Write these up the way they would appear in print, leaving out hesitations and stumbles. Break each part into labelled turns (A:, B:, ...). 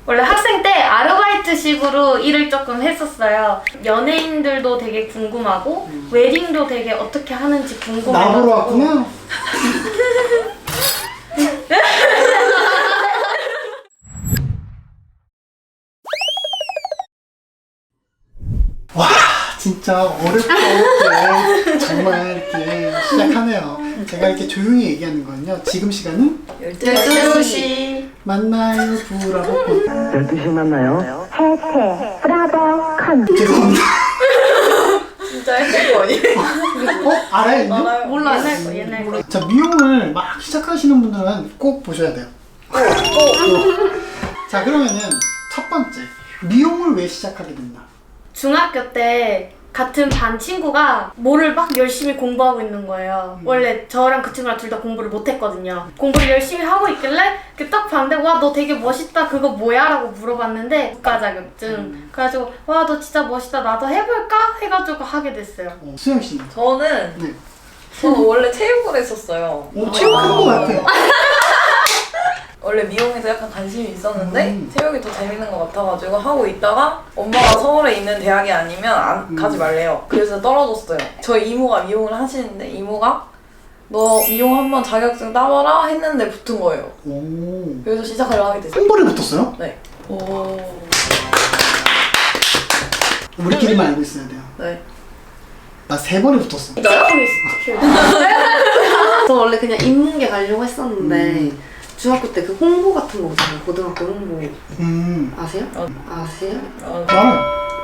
A: 원래 학생 때 아르바이트식으로 일을 조금 했었어요. 연예인들도 되게 궁금하고 웨딩도 되게 어떻게 하는지 궁금해가지고.
B: 나보러 왔구나. 와 진짜 어렵게 정말 이렇게 시작하네요. 제가 이렇게 조용히 얘기하는 거는요. 지금 시간은
A: 12시.
B: 만나요 브라보
C: 12시 만나요.
D: 해체 브라보 컨
B: 죄송합니다.
E: 진짜 했을 거 아니에요?
B: 알아요? 이거?
A: 몰라, 옛날 거.
B: 자 미용을 막 시작하시는 분들은 꼭 보셔야 돼요. 자 그러면은 첫 번째 미용을 왜 시작하게 됐나?
A: 중학교 때 같은 반 친구가 뭐를 막 열심히 공부하고 있는 거예요. 원래 저랑 그 친구랑 둘 다 공부를 못했거든요. 공부를 열심히 하고 있길래 딱 봤는데 와 너 되게 멋있다 그거 뭐야? 라고 물어봤는데 국가 자격증. 그래가지고 와 너 진짜 멋있다 나도 해볼까? 해가지고 하게 됐어요.
B: 수영 씨는?
E: 저는
B: 네.
E: 원래 체육을 했었어요.
B: 체육하는 거 같아요.
E: 원래 미용에서 약간 관심이 있었는데 체육이 더 재밌는 것 같아가지고 하고 있다가 엄마가 서울에 있는 대학이 아니면 가지 말래요. 그래서 떨어졌어요. 저희 이모가 미용을 하시는데 이모가 너 미용 한번 자격증 따봐라 했는데 붙은 거예요.
B: 오.
E: 그래서 시작하려고 하게 됐어요.
B: 한 번에 붙었어요?
E: 네. 오.
B: 우리끼리만 알고 있어야 돼요.
E: 네.
B: 나 3번에 붙었어.
F: 저 원래 그냥 인문계 가려고 했었는데 중학교 때 그 홍보 같은 거 있잖아요. 고등학교 홍보 아세요? 아세요?
B: 나는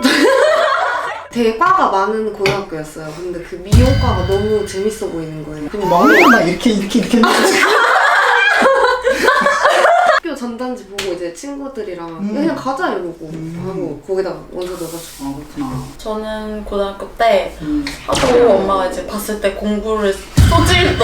F: 되게 과가 많은 고등학교였어요. 근데 그 미용과가 너무 재밌어 보이는 거예요. 그냥
B: 먹는 거막 이렇게 했는데
F: 학교 전단지 보고 이제 친구들이랑 그냥 가자 이러고 하고 거기다가 원서 넣어가지고.
B: 그렇구나.
E: 저는 고등학교 때 하도 엄마가 이제 봤을 때 공부를 소질도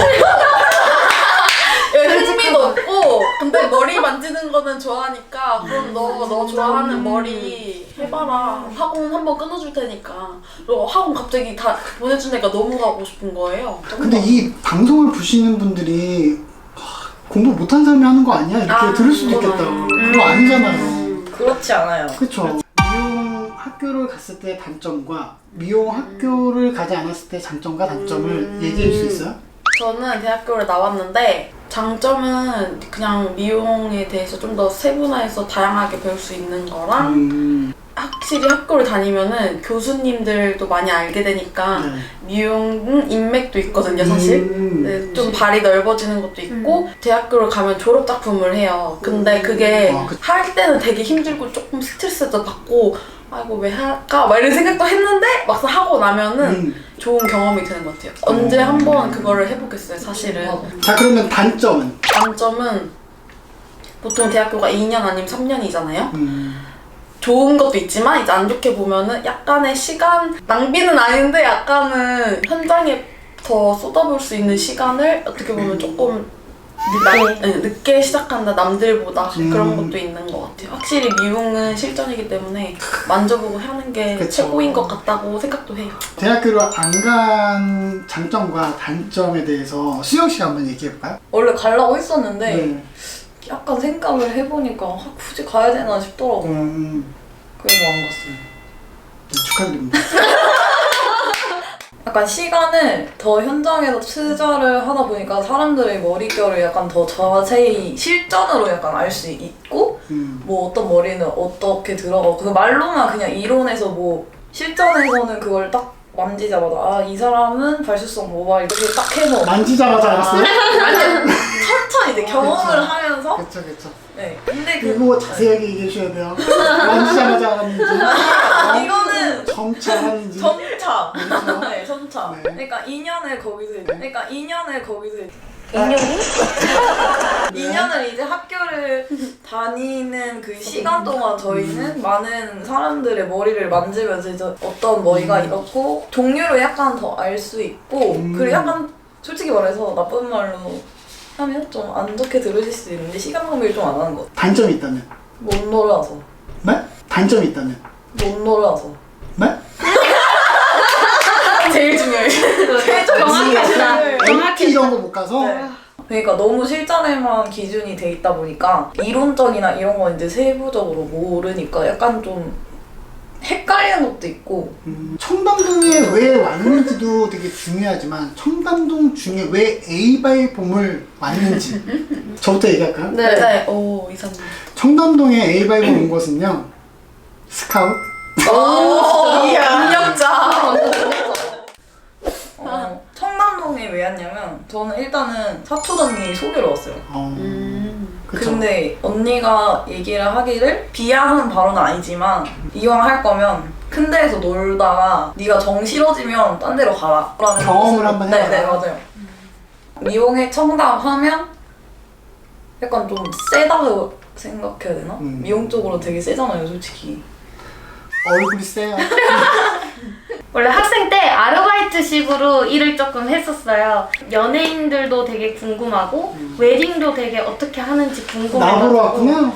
E: 흥미도 없고 근데 머리 만지는 거는 좋아하니까 그럼 너 좋아하는 머리 해봐라 학원 한번 끊어줄 테니까 그리고 학원 갑자기 다 보내주니까 너무 가고 싶은 거예요.
B: 근데 이 방송을 보시는 분들이 공부 못한 사람이 하는 거 아니야? 이렇게 들을 수도 있겠다. 그거 아니잖아요.
E: 그렇지 않아요.
B: 그쵸. 미용 학교를 갔을 때 단점과 미용 학교를 가지 않았을 때 장점과 단점을 얘기해 줄 수 있어요?
E: 저는 대학교를 나왔는데 장점은 그냥 미용에 대해서 좀 더 세분화해서 다양하게 배울 수 있는 거랑 확실히 학교를 다니면은 교수님들도 많이 알게 되니까 미용 인맥도 있거든요 사실. 네, 좀 발이 넓어지는 것도 있고 대학교를 가면 졸업 작품을 해요. 근데 그게 할 때는 되게 힘들고 조금 스트레스도 받고 아이고 왜 할까? 막 이런 생각도 했는데 막상 하고 나면은 좋은 경험이 되는 것 같아요. 언제 한번 그거를 해보겠어요 사실은.
B: 자 그러면 단점은?
E: 단점은 보통 대학교가 2년 아니면 3년이잖아요. 좋은 것도 있지만 이제 안 좋게 보면은 약간의 시간 낭비는 아닌데 약간은 현장에 더 쏟아볼 수 있는 시간을 어떻게 보면 조금 늦게 시작한다 남들보다 그런 것도 있는 것 같아요. 확실히 미용은 실전이기 때문에 만져보고 하는 게
B: 그쵸.
E: 최고인 것 같다고 생각도 해요.
B: 대학교를 안 간 장점과 단점에 대해서 수영 씨가 한번 얘기해 볼까요?
E: 원래 가려고 했었는데
B: 네.
E: 약간 생각을 해보니까 굳이 가야 되나 싶더라고요. 그래서 안 갔어요.
B: 네, 축하드립니다.
E: 약간 시간을 더 현장에서 투자를 하다 보니까 사람들의 머릿결을 약간 더 자세히 실전으로 약간 알 수 있고 뭐 어떤 머리는 어떻게 들어가고 그 말로만 그냥 이론에서 뭐 실전에서는 그걸 딱 만지자마자 아 이 사람은 발수성 모발 이렇게 딱 해서
B: 만지자마자 알았어요?
E: 아니 천천히 이제 경험을 하면서
B: 그쵸 그쵸.
E: 네 근데
B: 그리고 자세하게 얘기해 주셔야 돼요. 만지자마자 알았는지
E: 이거는
B: 점차 하는지
E: 점차
B: 그렇죠?
E: 네 점차
B: 네.
E: 그러니까 2년을 거기서 그러니까 2년을 거기서
A: 2년이?
E: 2년을 이제 학교를 다니는 그 시간 동안 저희는 많은 사람들의 머리를 만지면서 이제 어떤 머리가 이렇고 종류를 약간 더 알 수 있고 그리고 약간 솔직히 말해서 나쁜 말로 하면 좀 안 좋게 들으실 수 있는데 시간 낭비를 좀 안 하는 것 같아요.
B: 단점이 있다면?
E: 못 놀아서
B: 네? 단점이 있다면?
E: 못 놀아서
B: 네?
E: 제일 중요해요.
A: 정확하시다.
B: 정확히 이런 거 못 가서?
E: 네.
G: 그러니까 너무 실전에만 기준이 돼 있다 보니까 이론적이나 이런 건 이제 세부적으로 모르니까 약간 좀 헷갈리는 것도 있고.
B: 청담동에 왜 왔는지도 되게 중요하지만 청담동 중에 왜 A바이봄을 왔는지 저부터 얘기할까요?
E: 네. 오, 이사님.
B: 청담동에 A바이봄 온 것은요 스카웃
E: 오, 능력자.
G: 청담동에 왜 왔냐면 저는 일단은 사촌 언니 소개로 왔어요.
B: 그쵸.
G: 근데 언니가 얘기를 하기를 비하하는 발언은 아니지만 이왕 할 거면 큰 데에서 놀다가 네가 정 싫어지면 딴 데로 가라 라는
B: 경험을
G: 뜻으로-
B: 한번 해봐라.
G: 네, 맞아요. 미용에 청담 하면 약간 좀 세다고 생각해야 되나? 미용 쪽으로 되게 세잖아요, 솔직히.
B: 얼굴이 세요.
A: 원래 학생 때 아르바이트식으로 일을 조금 했었어요. 연예인들도 되게 궁금하고 웨딩도 되게 어떻게 하는지 궁금해가지고.
B: 나보러 왔구나.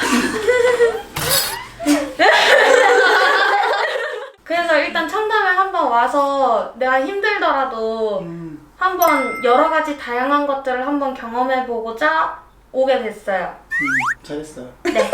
A: 그래서 일단 청담에 한번 와서 내가 힘들더라도 한번 여러 가지 다양한 것들을 한번 경험해보고자 오게 됐어요.
B: 잘했어요.
A: 네.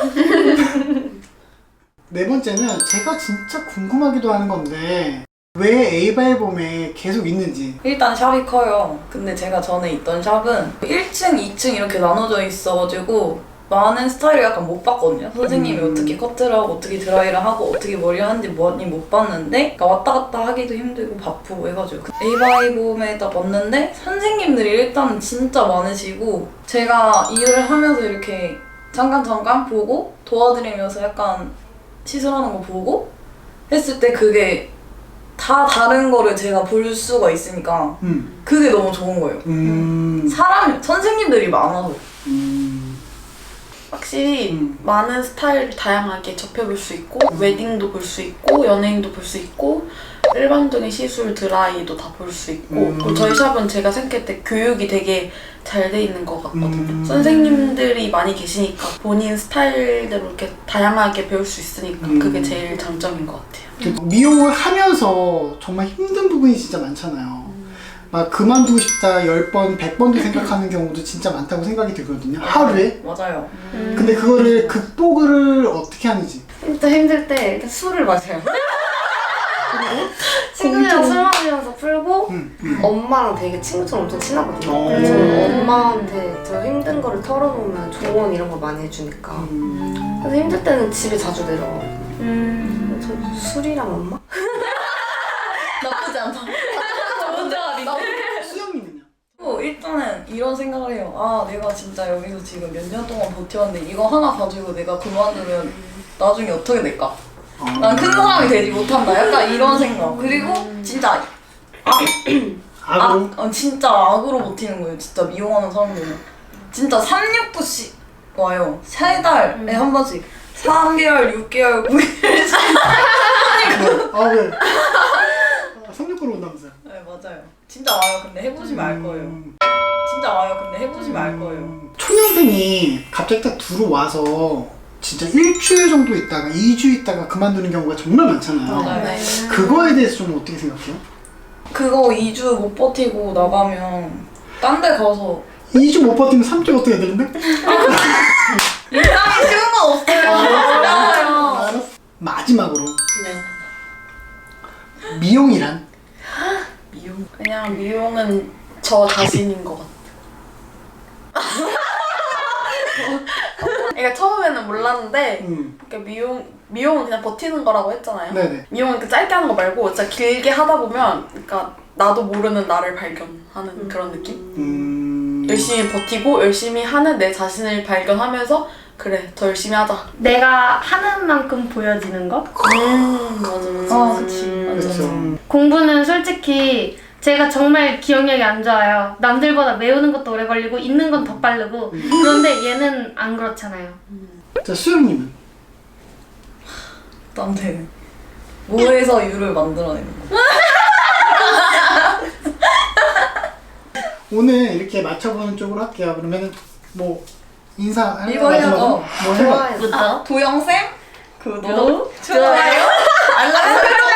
B: 네 번째는 제가 진짜 궁금하기도 하는 건데 왜 A바이봄에 계속 있는지.
G: 일단 샵이 커요. 근데 제가 전에 있던 샵은 1층, 2층 이렇게 나눠져 있어가지고 많은 스타일을 약간 못 봤거든요. 선생님이 어떻게 커트를 하고 어떻게 드라이를 하고 어떻게 머리를 하는지 뭐니 못 봤는데 그러니까 왔다 갔다 하기도 힘들고 바쁘고 해가지고 A바이봄에 딱 왔는데 선생님들이 일단 진짜 많으시고 제가 일을 하면서 이렇게 잠깐 보고 도와드리면서 약간 시술하는 거 보고 했을 때 그게 다 다른 거를 제가 볼 수가 있으니까 그게 너무 좋은 거예요. 선생님들이 많아서.
E: 확실히 많은 스타일을 다양하게 접해볼 수 있고 웨딩도 볼 수 있고 연예인도 볼 수 있고 일반적인 시술 드라이도 다 볼 수 있고 그리고 저희 샵은 제가 생각할 때 교육이 되게 잘 돼 있는 것 같거든요. 선생님들이 많이 계시니까 본인 스타일대로 이렇게 다양하게 배울 수 있으니까 그게 제일 장점인 것 같아요.
B: 미용을 하면서 정말 힘든 부분이 진짜 많잖아요. 막 그만두고 싶다 10번, 100번도 생각하는 경우도 진짜 많다고 생각이 들거든요. 하루에.
G: 맞아요.
B: 근데 그거를 극복을 어떻게 하는지.
F: 진짜 힘들 때 일단 술을 마셔요. 그리고
A: 친구들이랑 술 마시면서 풀고
F: 엄마랑 되게 친구처럼 엄청 친하거든요.
B: 어.
F: 그래서 저는 엄마한테 저 힘든 거를 털어놓으면 조언 이런 거 많이 해주니까. 그래서 힘들 때는 집에 자주 내려가요. 저 술이랑 엄마?
G: 나쁘지 않다.
B: 수영님은요?
G: 일단은 이런 생각을 해요. 아, 내가 진짜 여기서 지금 몇 년 동안 버텨왔는데 이거 하나 가지고 내가 그만두면 나중에 어떻게 될까? 난 큰 사람이 되지 못한다. 약간 이런 생각. 그리고 진짜
B: 악으로?
G: 진짜 악으로 버티는 거예요. 진짜 미용하는 사람들은. 진짜 369씩 와요. 3달에 한 번씩. 3개월, 6개월, 9개월.
B: 아 왜? 369로 온다면서요?
G: 네, 맞아요. 진짜 와요. 근데 해보시면 알 거예요. 진짜 와요. 근데 해보시면 알 거예요.
B: 초년생이 갑자기 딱 들어와서 진짜 일주일 정도 있다가 2주 있다가 그만두는 경우가 정말 많잖아요.
G: 맞아요.
B: 그거에 대해서 좀 어떻게 생각해요?
G: 그거 2주 못 버티고 나가면 딴 데 가서
B: 2주 못 버티면 3주 어떻게 되는데?
G: 인상이 쉬운 건 없어요.
B: 알았어. 마지막으로 미용이란?
E: 미용? 그냥 미용은 저 자신인 것 같아. 그러니까 처음에는 몰랐는데 그러니까 미용은 그냥 버티는 거라고 했잖아요.
B: 네네.
E: 미용은 그 짧게 하는 거 말고 진짜 길게 하다 보면 그러니까 나도 모르는 나를 발견하는 그런 느낌? 열심히 버티고 열심히 하는 내 자신을 발견하면서 그래 더 열심히 하자.
A: 내가 하는 만큼 보여지는 것?
E: 맞아.
G: 그치.
B: 그렇죠.
A: 공부는 솔직히 제가 정말 기억력이 안 좋아요. 남들보다 외우는 것도 오래 걸리고 읽는 건 더 빠르고 그런데 얘는 안 그렇잖아요.
B: 자, 수영님은?
G: 나한테 뭐해서 유를 만들어내는 거.
B: 오늘 이렇게 맞춰보는 쪽으로 할게요. 그러면은 뭐 인사
G: 이거 해야죠.
B: 뭐 해봐.
F: 좋아요.
G: 도영쌤 구독, 좋아요, 알람 설정